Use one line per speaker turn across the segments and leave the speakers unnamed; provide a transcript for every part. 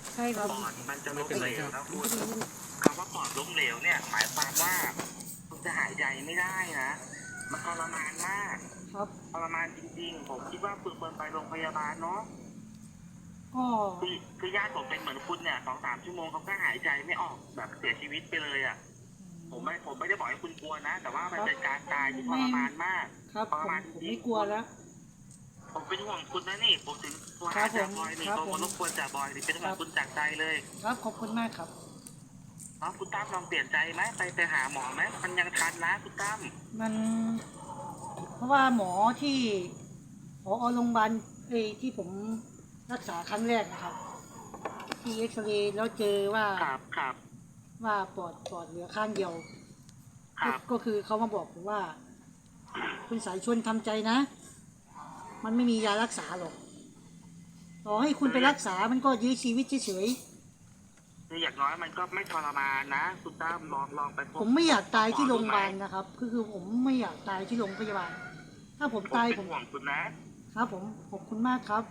ใช่ครับ
ปอดมันจะล้มเหลวนะคุณคำว่าปอดล้มเหลวเนี่ยหมายความว่าคุณจะหายใจไม่ได้นะมันทรมานมาก
ครับ
ทรมานจริงๆผมคิดว่าควรไปโรงพยาบาลเนาะ
ก็
คือญาติผมเป็นเหมือนคุณเนี่ย2-3 ชั่วโมงเขาก็หายใจไม่ออกแบบเสียชีวิตไปเลยอ่ะผมไม่ได้บอกให้คุณกลัวนะแต่ว่ามันเป็นการตายที่ทรมานมาก
ครับ
ทรมานจ
ผม
ริง
ไม่กลัวแล้ว
ผมเป็นห่วงคุณนะนี่ผมถึงโทร
ครั
หา
บผ
จ่าม บอยนี่
ครับ
โทร
ผม
มารบกวนจ่าบอยนี่เป็นห่วงคุณจากใจเลย
ครับขอบคุณมากครับ
น้องคุณตั้มลองเปลี่ยนใจไหมไปหาหมอไหมมันยังทันนะคุณตั้ม
มันเพราะว่าหมอที่ผอโรงพยาบาลที่ผมรักษาครั้งแรกนะครับที่เอ็กซเรย์แล้วเจอว่า
ครับ
ว่าปอดเหลือข้างเดียว
ครับ
ก็คือเขามาบอกผมว่าคุณสายชวนทำใจนะมันไม่มียารักษาหรอกต่อให้คุณไปรักษามันก็ยื้อชีวิตเฉย
คืออย่างน้อยมันก็ไม่ทรมานนะคุณตั้มลองไปพ
ๆ
บ
ผมไม่อยากตายที่โรงพยาบาลนะครับคือผมไม่อยากตายที่โรงพยาบาลถ้าผมตาย
เป็นห่วงคุณนะครับ
ผมขอบคุณมากครับ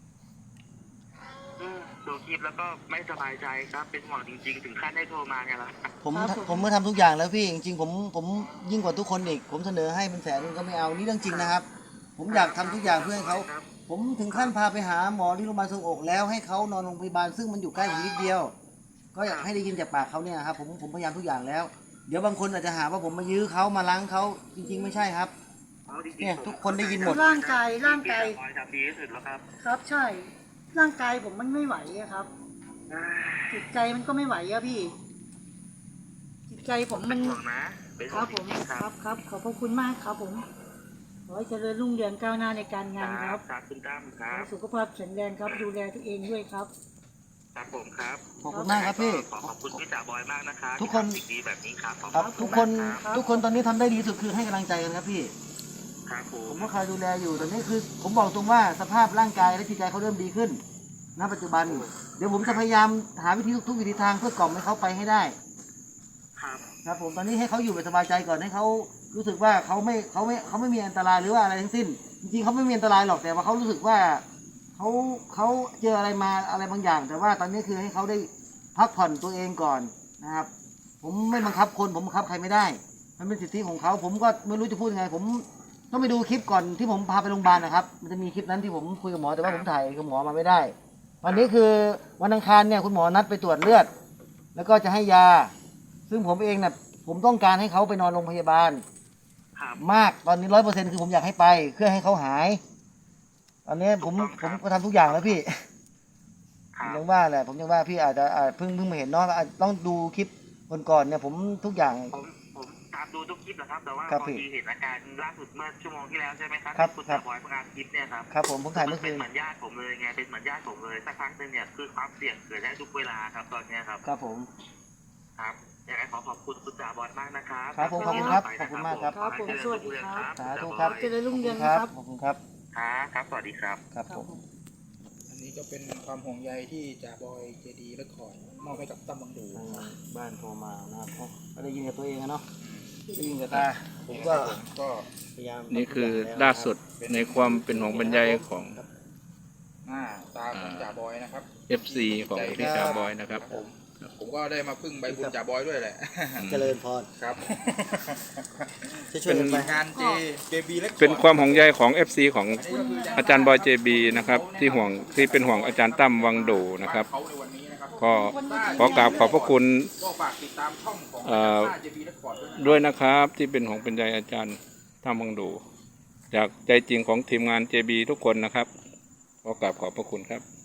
ดูคลิปแล้วก็ไม่สบายใจครับเป็นห่วงจริงๆถึงขั้นได้โทรมาเนี่ยละ
ผมมาทำทุกอย่างแล้วพี่จริงๆผมยิ่งกว่าทุกคนอีกผมเสนอให้เป็นแสนนึงก็ไม่เอานี่เรื่องจริงนะครับผมอยากทำทุกอย่างเพื่อให้เขาผมถึงขั้นพาไปหาหมอที่โรงพยาบาลทรวงอกแล้วให้เขานอนโรงพยาบาลซึ่งมันอยู่ใกล้ผมนิดเดียวก็อยากให้ได้ยินจากปากเขาเนี่ยครับผมพยายามทุกอย่างแล้วเดี๋ยวบางคนอาจจะหาว่าผมมายื้อเขามาล้างเขาจริงๆไม่ใช่ครับเนี่ยทุกคนได้ยินหมด
ร่างกาย
ทำดีที่สุดแล้วครับ
ครับใช่ร่างกายผมมันไม่ไหวอะครับจิตใจมันก็ไม่ไหวอะพี่จิตใจผมมัน
ห่วงนะเป็น
ค
ห่ว
รั
ง
บผม
จริงๆครับ
ครับขอบพระคุณมากครับผมขอให้เจริญรุ่งเรืองก้าวหน้าในการงานครับ
ครับคุณตั้มค
ขอ
รับ
ให้สุขภาพแข็งแรงครับดูแลตัวเองด้วยครับ
ครับผมครับ
ขอบคุณมากครับพี่
ขอบคุณพี่จ่าบอยมากนะครับ
ทุกคน
สิ่งดีแบบนี้ครับ
ครับทุกคนตอนนี้ทำได้ดีที่สุดคือให้กำลังใจกันครับพี่
ครับผ
ผม มก็คอยดูแลอยู่ตอนนี้คือผมบอกตรงว่าสภาพร่างกายและจิตใจเขาเริ่มดีขึ้นณปัจจุบันเดี๋ยวผมจะพยายามหาวิธีทุกวิธีทางเพื่อกล่อมให้เขาไปให้ได้ครับผมตอนนี้ให้เขาอยู่แบบสบายใจก่อนให้เขารู้สึกว่าเขาไม่มีอันตรายหรือว่าอะไรทั้งสิ้นจริงๆเขาไม่มีอันตรายหรอกแต่ว่าเขารู้สึกว่าเขาเจออะไรมาอะไรบางอย่าง แต่ว่าตอนนี้คือให้เขาได้พักผ่อนตัวเองก่อนนะครับผมไม่บังคับคนผมบังคับใครไม่ได้มันเป็นสิทธิของเขาผมก็ไม่รู้จะพูดยังไงผมต้องไปดูคลิปก่อนที่ผมพาไปโรงพยาบาลนะครับมันจะมีคลิปนั้นที่ผมคุยกับหมอแต่ว่าผมถ่ายกับหมอมาไม่ได้วันนี้คือวันอังคารเนี่ยคุณหมอนัดไปตรวจเลือดแล้วก็จะให้ยาซึ่งผมเองเนี่ยผมต้องการให้เขาไปนอนโรงพยาบาลมากตอนนี้100%คือผมอยากให้ไปเพื่อให้เขาหายตอนนี้ผมก็ทำทุกอย่างแล้วพี่ผมยังว่าแหละผมยังว่าพี่อาจจะเพิ่งมาเห็นเนาะต้องดูคลิปก่อนเนี่ยผมทุกอย่าง
ผมตามดูทุกคลิปนะครับแต่ว่าบางทีเห็นอาการล่าสุดเมื่อชั่วโมงที่แล้วใช่ไหมครับคุณจ่าบอยประกาศคลิปเนี่ยครับ
ครับผมถ่ายเมื่อคื
เป็นเหมือนญาติผมเลยไงเป็นเหมือนญาติผมเลยสักครั้งนึงเนี่ยคือความเสี่ยงเกิดได้ทุกเวลาครับตอนนี้ครับ
ครับผม
ครับยังไงขอบคุณคุณจ่าบอยมากนะครับ
ครับผมขอบคุณครับขอบคุณมากครับ
ครับผมสวัสดีครับ
สาธุครับ
เจริญรุ่งเรืองนะครับ
ขอบคุณครับ
ครับสวัสดีครับ
ครับผม
อันนี้ก็เป็นความห่วงใยที่จ่าบอยเจดีและขอดมอบให้กับตั้มบังดู
บ้านโทรมานะครับก็ได้ยินกับตัวเองเนาะได้ยินกับตาผมก็พยายาม
นี่คือล่าสุดในความเป็นห่วงบรรยายของ
ตาของจ่าบอยนะครับ
FC ของพี่จ่าบอยนะครับ
ผมก็ได้มาพึ่งใบบุญจ่าบอยด้วยแหละ
เจริญพร
ครับ
เป็น
งานเจบีและ
เป็นความห่วงใยของ FC ของอาจารย์บอยเจบีนะครับที่เป็นห่วงอาจารย์ตั้มวังโดนะครับก็ขอกราบขอบพระคุณด้วยนะครับที่เป็นห่วงเป็นใยอาจารย์ตั้มวังโดจากใจจริงของทีมงาน JB ทุกคนนะครับขอกราบขอบพระคุณครับ